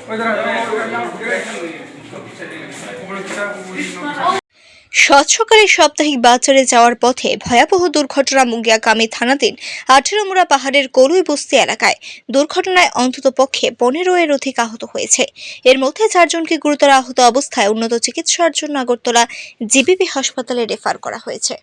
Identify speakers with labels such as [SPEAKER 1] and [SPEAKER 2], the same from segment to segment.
[SPEAKER 1] স্বচ্ছকারী সাপ্তাহিক বাজারে যাওয়ার পথে ভয়াবহ দুর্ঘটনা মুগিয়াকামী থানাধীন 18 মুড়া পাহাড়ের কলুই বস্তি এলাকায়। দুর্ঘটনায় অন্ততপক্ষে 15 এর অধিক আহত হয়েছে। এর মধ্যে 4 জনকে গুরুতর আহত অবস্থায় উন্নত চিকিৎসার জন্য আগরতলা জিবিপি হাসপাতালে রেফার করা হয়েছে।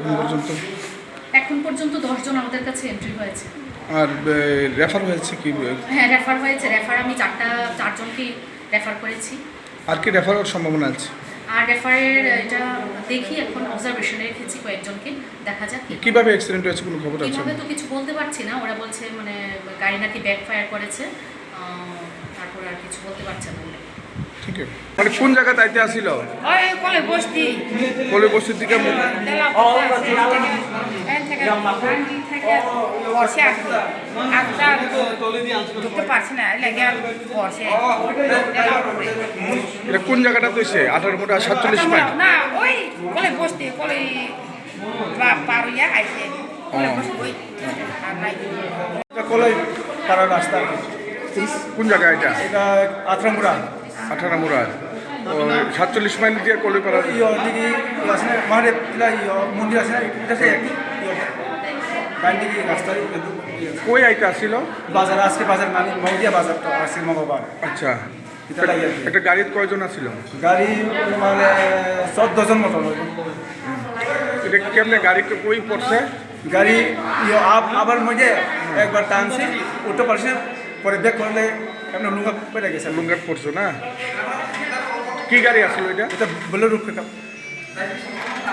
[SPEAKER 2] এখন পর্যন্ত 10 জন আমাদের কাছে এন্ট্রি হয়েছে।
[SPEAKER 3] আর রেফার হয়েছে কি?
[SPEAKER 2] হ্যাঁ, রেফার হয়েছে। রেফার আমি 4 জনকে রেফার করেছি।
[SPEAKER 3] আর কি রেফার হওয়ার সম্ভাবনা আছে?
[SPEAKER 2] আর রেফারের এটা দেখি, এখন অবজারভেশনে রেখেছি কয়েকজনকে, দেখা যাক
[SPEAKER 3] কিভাবে অ্যাক্সিডেন্ট হয়েছে, কোনো খবর আছে?
[SPEAKER 2] কিভাবে তো কিছু বলতে পারছি না। ওরা বলছে মানে গাড়ি নাকি ব্যাক ফায়ার করেছে, তারপর আর কিছু বলতে পারছে না।
[SPEAKER 3] ঠিক আছে, মানে কোন জায়গা তাইতে আসিল?
[SPEAKER 4] ওই কলে বস্তি,
[SPEAKER 3] কলে বস্তির দিকে
[SPEAKER 4] বসে ঢুকতে পারছি না, লেগে বসে।
[SPEAKER 3] এটা কোন জায়গাটা তৈছে? 18 মুড়া 47 মাইল
[SPEAKER 4] না, ওই কলে বস্তি, কলে পার হইয়া আইছে। কলে বস্তি ওই আর নাই,
[SPEAKER 5] কলাই পাড়ার রাস্তা।
[SPEAKER 3] কোন জায়গা এটা?
[SPEAKER 5] এটা 18 মুড়া।
[SPEAKER 3] 18 মুড়া 47 মাইল দিয়ে কলে পাড়া।
[SPEAKER 5] দিকে আছে না, মহাদেব মন্দির আছে না, এটা একই ডান দিকে রাস্তা।
[SPEAKER 3] কই আইতে আসিল?
[SPEAKER 5] বাজার, আজকে বাজার মানে মৌদিয়া বাজার তো আজকে মঙ্গলবার।
[SPEAKER 3] আচ্ছা,
[SPEAKER 5] এটা লাগে আর কি।
[SPEAKER 3] একটা গাড়িতে কয়জন আসিল?
[SPEAKER 5] গাড়ি মানে 14 জন মতো।
[SPEAKER 3] এটা কেমনে গাড়িতে কই পড়ছে?
[SPEAKER 5] গাড়ি আবার মধ্যে একবার টানছে, উঠতে পারছে, পরে ব্যাক করলে এমন লুঙ্গা পেরে গেছে।
[SPEAKER 3] লুঙ্গাত পড়ছো না? কি গাড়ি আসলো এটা?
[SPEAKER 5] এটা বলে রূপ